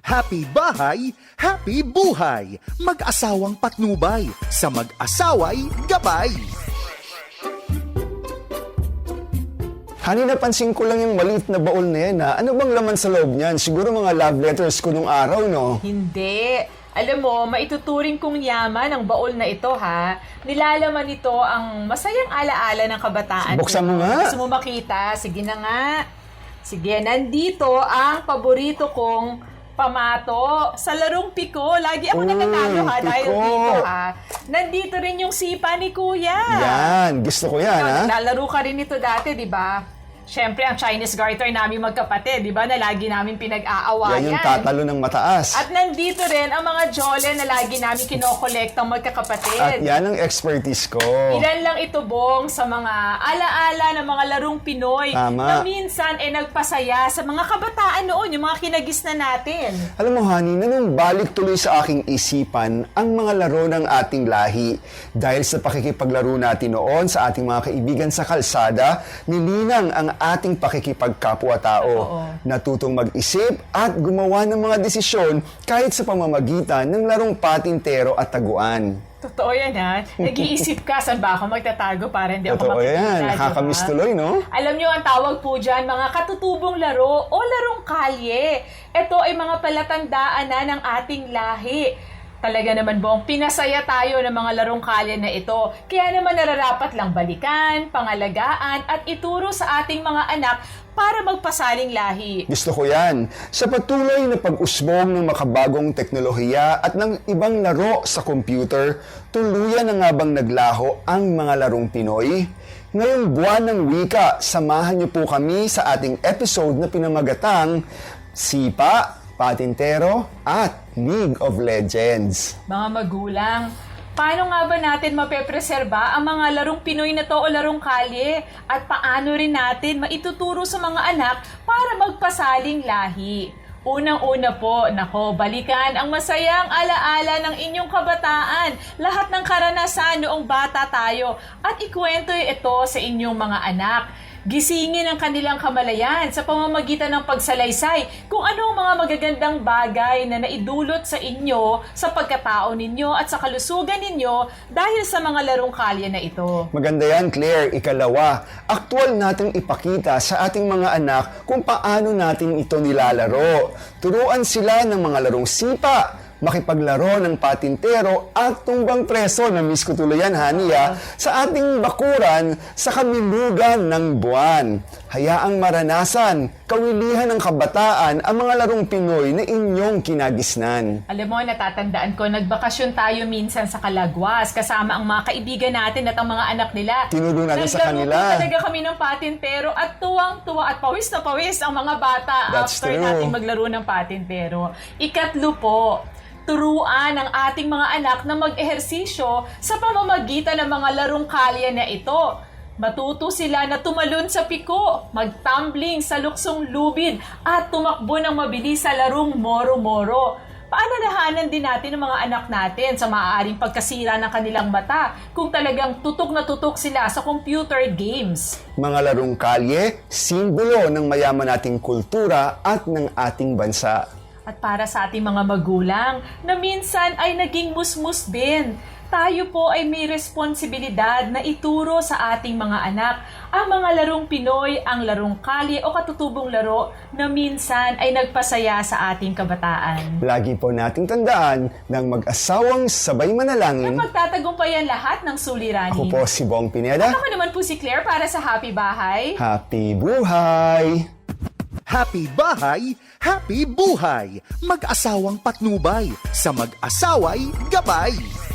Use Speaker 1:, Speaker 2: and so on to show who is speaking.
Speaker 1: Happy bahay, happy buhay. Mag-asawang patnubay, sa mag-asaway gabay.
Speaker 2: Hani, napansin ko lang yung maliit na baul na yan, ha? Ano bang laman sa loob niyan? Siguro mga love letters ko nung araw, no?
Speaker 3: Hindi. Alam mo, maituturing kong yaman ang baol na ito, ha? Nilalaman nito ang masayang alaala ng kabataan.
Speaker 2: Buksan mo nga.
Speaker 3: Gusto mo makita? Sige na nga. Sige, nandito ang paborito kong pamato sa larong piko. Lagi ako nananalo, ha? Dahil
Speaker 2: piko.
Speaker 3: dito, ha? Nandito rin yung sipa ni Kuya.
Speaker 2: Yan, gusto ko yan, ha?
Speaker 3: Naglalaro ka rin ito dati, di ba? Siyempre, ang Chinese garter namin magkapatid, di ba? Na lagi namin pinag-aawayan.
Speaker 2: Yan yung tatalo ng mataas.
Speaker 3: At nandito rin ang mga jole na lagi namin kinokolektang magkakapatid.
Speaker 2: At yan ang expertise ko.
Speaker 3: Ilan lang ito, Bong, sa mga alaala ng mga larong Pinoy
Speaker 2: Tama.
Speaker 3: na minsan nagpasaya sa mga kabataan noon, yung mga kinagis na natin.
Speaker 2: Alam mo, honey, nanumbalik tuloy sa aking isipan ang mga laro ng ating lahi. Dahil sa pakikipaglaro natin noon sa ating mga kaibigan sa kalsada, nilinang ang ating pakikipagkapwa-tao. Natutong mag-isip at gumawa ng mga desisyon kahit sa pamamagitan ng larong patintero at taguan.
Speaker 3: Totoo yan, ha? Nag-iisip ka, saan ba ako magtatago para hindi ako
Speaker 2: Totoo
Speaker 3: makikita,
Speaker 2: yan,
Speaker 3: di ba?
Speaker 2: nakakamiss tuloy, no?
Speaker 3: Alam nyo, ang tawag po dyan, mga katutubong laro o larong kalye. Ito ay mga palatandaan na ng ating lahi. Talaga naman, Bong, pinasaya tayo ng mga larong kalye na ito. Kaya naman nararapat lang balikan, pangalagaan, at ituro sa ating mga anak para magpasaling lahi.
Speaker 2: Gusto ko yan. Sa patuloy na pag-usbong ng makabagong teknolohiya at ng ibang laro sa computer, tuluyan na nga bang naglaho ang mga larong Pinoy? Ngayong buwan ng wika, samahan niyo po kami sa ating episode na pinamagatang Sipa, Patintero, at League of Legends.
Speaker 3: Mga magulang, paano nga ba natin mapepreserba ang mga larong Pinoy na to o larong kalye? At paano rin natin maituturo sa mga anak para magpasaling lahi? Unang-una po, balikan ang masayang alaala ng inyong kabataan, lahat ng karanasan noong bata tayo, at ikwento ito sa inyong mga anak. Gisingin ang kanilang kamalayan sa pamamagitan ng pagsalaysay kung ano ang mga magagandang bagay na naidulot sa inyo, sa pagkatao ninyo at sa kalusugan ninyo dahil sa mga larong kalye na ito.
Speaker 2: Maganda yan, Claire. Ikalawa, aktual nating ipakita sa ating mga anak kung paano natin ito nilalaro. Turuan sila ng mga larong sipa, makipaglaro ng patintero at tumbang preso, na miss ko tuloy yan, honey, sa ating bakuran sa kamilugan ng buwan. Hayaang maranasan, kawilihan ng kabataan ang mga larong Pinoy na inyong kinagisnan.
Speaker 3: Alam mo, natatandaan ko, nagbakasyon tayo minsan sa Calagwas kasama ang mga kaibigan natin at ang mga anak nila.
Speaker 2: Tinuro natin sa kanila.
Speaker 3: Naglaro talaga kami ng patintero at tuwang-tuwa at pawis na pawis ang mga bata
Speaker 2: That's
Speaker 3: after
Speaker 2: true.
Speaker 3: natin maglaro ng patintero. Ikatlo po, turuan ang ating mga anak na mag-ehersisyo sa pamamagitan ng mga larong kalye na ito. Matuto sila na tumalon sa piko, magtumbling sa luksong lubid, at tumakbo ng mabilis sa larong moro-moro. Paalalahanan din natin ang mga anak natin sa maaaring pagkasira ng kanilang mata kung talagang tutok na tutok sila sa computer games.
Speaker 2: Mga larong kalye, simbolo ng mayaman nating kultura at ng ating bansa.
Speaker 3: At para sa ating mga magulang na minsan ay naging musmus din, tayo po ay may responsibilidad na ituro sa ating mga anak ang mga larong Pinoy, ang larong kalye o katutubong laro na minsan ay nagpasaya sa ating kabataan.
Speaker 2: Lagi po nating tandaan ng mag-asawang sabay manalangin.
Speaker 3: Na magtatagumpayan lahat ng suliranin.
Speaker 2: Ako po si Bong Pineda.
Speaker 3: Ako naman po si Claire para sa Happy Bahay.
Speaker 2: Happy buhay!
Speaker 1: Happy bahay, happy buhay. Mag-asawang patnubay, sa mag-asaway gabay.